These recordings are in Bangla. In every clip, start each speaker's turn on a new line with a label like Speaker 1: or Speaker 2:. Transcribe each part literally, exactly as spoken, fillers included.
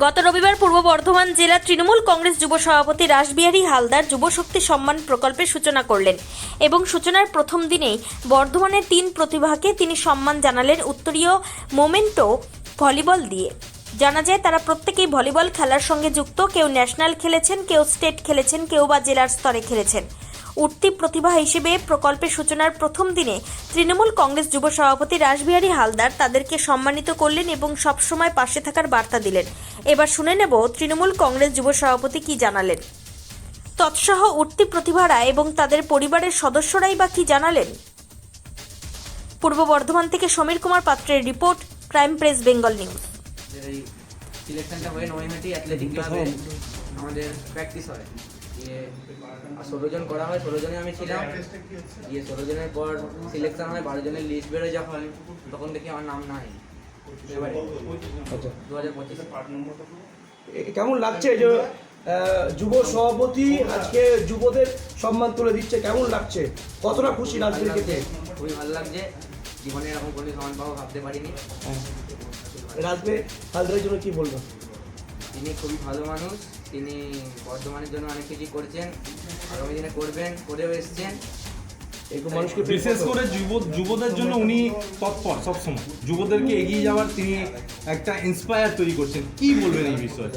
Speaker 1: গত রবিবার পূর্ব বর্ধমান জেলা তৃণমূল কংগ্রেস যুব সভাপতি রাসবিহারী হালদার যুবশক্তি সম্মান প্রকল্পের সূচনা করলেন এবং সূচনার প্রথম দিনেই বর্ধমানের তিন প্রতিভাকে তিনি সম্মান জানালেন উত্তরীয় মোমেন্টো ভলিবল দিয়ে। জানা যায় তারা প্রত্যেকেই ভলিবল খেলার সঙ্গে যুক্ত, কেউ ন্যাশনাল খেলেছেন, কেউ স্টেট খেলেছেন, কেউ বা জেলার স্তরে খেলেছেন। উঠতি প্রতিভা হিসেবে প্রকল্পের সূচনার প্রথম দিনে তৃণমূল কংগ্রেস যুব সভাপতি রাসবিহারী হালদার তাদেরকে সম্মানিত করলেন এবং সবসময় পাশে থাকার বার্তা দিলেন। এবার শুনে নেব তৃণমূল কংগ্রেস যুব সভাপতি কি জানালেন, তৎসহ উঠতি প্রতিভারা এবং তাদের পরিবারের সদস্যরাই বা কি জানালেন। পূর্ব বর্ধমান থেকে সমীর কুমার পাত্রের report, crime press Bengal news.
Speaker 2: এই সিলেকশনটা হয়ে নৈহাটি অ্যাথলেটিক ক্লাবে আমাদের প্র্যাকটিস হয়, দিয়ে ষোলো জন করা হয়, ষোলো জনে আমি ছিলাম। দিয়ে ষোলো জনের পর সিলেকশন হয়, বারো জনের লিস্ট বেরোয় যখন, তখন দেখি আমার নাম নাই। এবারে দু হাজার পঁচিশ
Speaker 3: কেমন লাগছে যে যুব সভাপতি আজকে যুবদের সম্মান তুলে দিচ্ছে, কেমন লাগছে, কতটা খুশি রাজনীতির ক্ষেত্রে?
Speaker 2: খুবই ভালো লাগছে, জীবনে এরকম কোনো সম্মান পাবো ভাবতে পারিনি।
Speaker 3: রাজবে হালদারের জন্য কি বলবো?
Speaker 2: তিনি খুবই ভালো মানুষ, তিনি বর্ধমানের জন্য অনেক কিছু করছেন, আগামী দিনে করবেন, করেও এসছেন।
Speaker 3: মানুষকে
Speaker 4: বিশেষ করে যুব যুবদের জন্য উনি তৎপর, সবসময় যুবদেরকে এগিয়ে যাওয়ার তিনি একটা ইন্সপায়ার তৈরি করছেন। কি বলবেন এই বিষয়ে?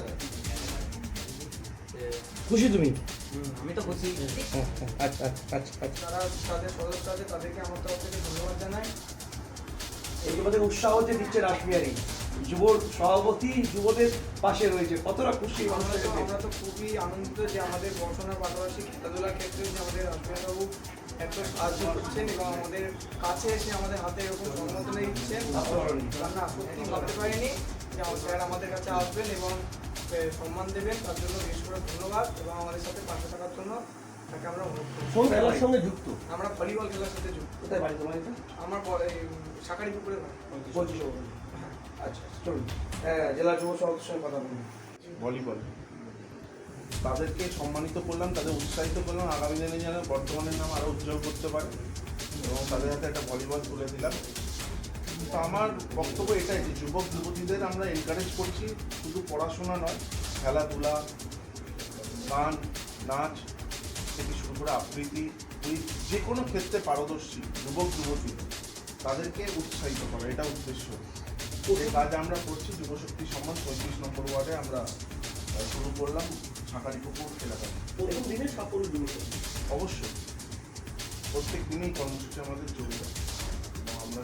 Speaker 3: খুশি তুমি?
Speaker 2: আমি তো খুশি।
Speaker 3: আচ্ছা আচ্ছা আচ্ছা
Speaker 5: তারা তাদের সদস্য আছে, তাদেরকে আমার তরফ থেকে ধন্যবাদ জানাই।
Speaker 3: এই যুবদের উৎসাহ যে দিচ্ছে রাসবিহারী, যুব সভাপতি যুবদের পাশে রয়েছে, কতটা খুশি মানুষের কাছে?
Speaker 5: আমরা তো খুবই আনন্দিত যে আমাদের পড়াশোনার পাশাপাশি খেলাধুলার ক্ষেত্রে যে আমাদের রাসবিহারীবাবু এত সাহায্য করছেন এবং আমাদের কাছে এসে আমাদের হাতে এরকম সম্বোধনা দিচ্ছেন। আমরা সত্যি ভাবতে পারিনি যে আমার স্যার আমাদের কাছে আসবেন এবং সম্মান দেবেন, তার জন্য বিশেষ করে ধন্যবাদ। এবং আমাদের সাথে পাশে থাকার জন্য তাকে আমরা
Speaker 3: কোন খেলার সঙ্গে যুক্ত?
Speaker 5: আমরা ভলিবল খেলার সাথে যুক্ত।
Speaker 3: কোথায় বাড়ি তোমার? এটা
Speaker 5: আমার শাকারি পুকুরে
Speaker 3: পঁচিশ। আচ্ছা চলুন জেলা যুব সভাপতির সঙ্গে কথা বলুন।
Speaker 6: ভলিবল তাদেরকে সম্মানিত করলাম, তাদের উৎসাহিত করলাম, আগামী দিনে যেন বর্তমানের নাম আরও উজ্জ্বল করতে পারে এবং তাদের হাতে একটা ভলিবল তুলে দিলাম। তো আমার বক্তব্য এটাই যে যুবক যুবতীদের আমরা এনকারেজ করছি, শুধু পড়াশোনা নয়, খেলাধুলা, গান, নাচ থেকে শুরু করে আবৃত্তি, ওই যে কোনো ক্ষেত্রে পারদর্শী যুবক যুবতী তাদেরকে উৎসাহিত করা, এটা উদ্দেশ্য। এই কাজ আমরা করছি যুবশক্তি সম্মান পঁয়ত্রিশ নম্বর ওয়ার্ডে আমরা শুরু করলাম শাঁকারি পুকুর এলাকায়।
Speaker 3: প্রথম দিনে সাফল্য যুবশক্তি
Speaker 6: অবশ্যই প্রত্যেক দিনেই কর্মসূচি আমাদের চলবে এবং আমরা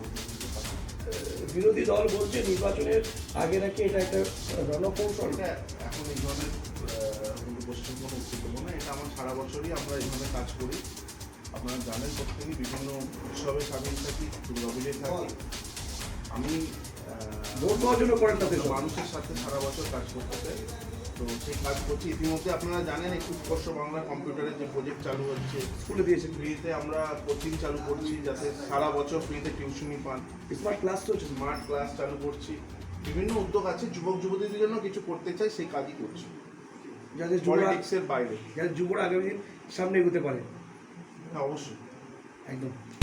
Speaker 3: বিরোধী দল বলছে নির্বাচনের আগে নাকি এটা একটা রণকৌশল।
Speaker 6: এটা এখন এই ধরনের গোষ্ঠীর কোনো উদ্যোগ না, এটা আমার সারা বছরই আমরা এইভাবে কাজ করি। আপনারা জানেন প্রত্যেকই বিভিন্ন উৎসবে সামিল থাকি, দুর্গাপুজোয় থাকি। আমি
Speaker 3: ভোট দেওয়ার জন্য করেন তাদের
Speaker 6: মানুষের সাথে সারা বছর কাজ করতে চাই, তো সেই কাজ করছি। ইতিমধ্যে আপনারা জানেন একটু উৎকর্ষ বাংলা কম্পিউটারের যে প্রজেক্ট চালু হচ্ছে,
Speaker 3: স্কুলে দিয়েছে
Speaker 6: ফ্রিতে আমরা কোচিং চালু করছি যাতে সারা বছর ফ্রিতে টিউশনি পান।
Speaker 3: স্মার্ট ক্লাস চলছে,
Speaker 6: স্মার্ট ক্লাস চালু করছি, বিভিন্ন উদ্যোগ আছে যুবক যুবতীদের জন্য কিছু করতে চাই, সেই কাজই করছি
Speaker 3: যাদের
Speaker 6: পলিটিক্সের বাইরে,
Speaker 3: যাদের যুবরা আগামী দিন সামনে এগোতে পারে।
Speaker 6: হ্যাঁ অবশ্যই
Speaker 3: একদম।